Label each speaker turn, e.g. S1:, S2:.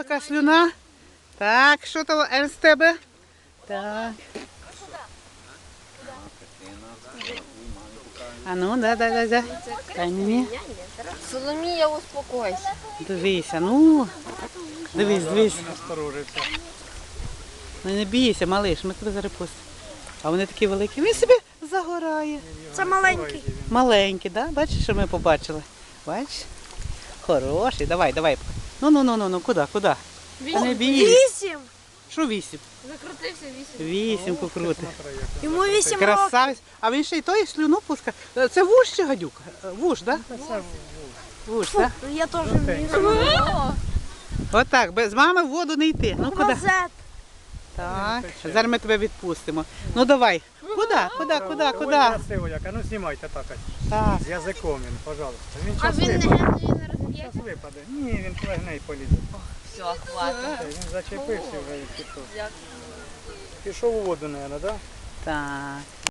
S1: така слюна. Так, що то Ен з тебе? Так. А ну, дай. Дай мені.
S2: Соломія, успокойся.
S1: Дивися, ну. Дивись.
S3: Насторожився.
S1: Ну не бійся, малиш, ми тебе зараз пустимо. А вони такі великі. Він собі загорає.
S2: Це маленький.
S1: Маленький, да? Бачиш, що ми побачили? Бачиш? Хороший. Давай. Ну, куди? Та не бійся.
S2: 8.
S1: Що 8?
S2: Закрутився
S1: 8 покрути.
S2: Йому 8 років.
S1: Красавець. А він ще й той слюну пускає. Це вуж чи гадюк? Вуж, так? Вуж, так?
S2: Я теж
S1: Отак, без мами в воду не йти. Ну куди?
S2: Розет.
S1: Так, зараз ми тебе відпустимо. Ну давай. Куди?
S3: Ой, красиво як. А ну знімайте так ось.
S1: Так.
S3: З язиком він, пожалуйста. Він
S2: А
S3: час
S2: він не
S3: випаде.
S2: розб'є.
S3: Час випаде. Ні, він плегне і полізе.
S2: Все, хватить.
S3: Він зачепився вже і пішов. Пішов у воду, мабуть, так?
S1: Так.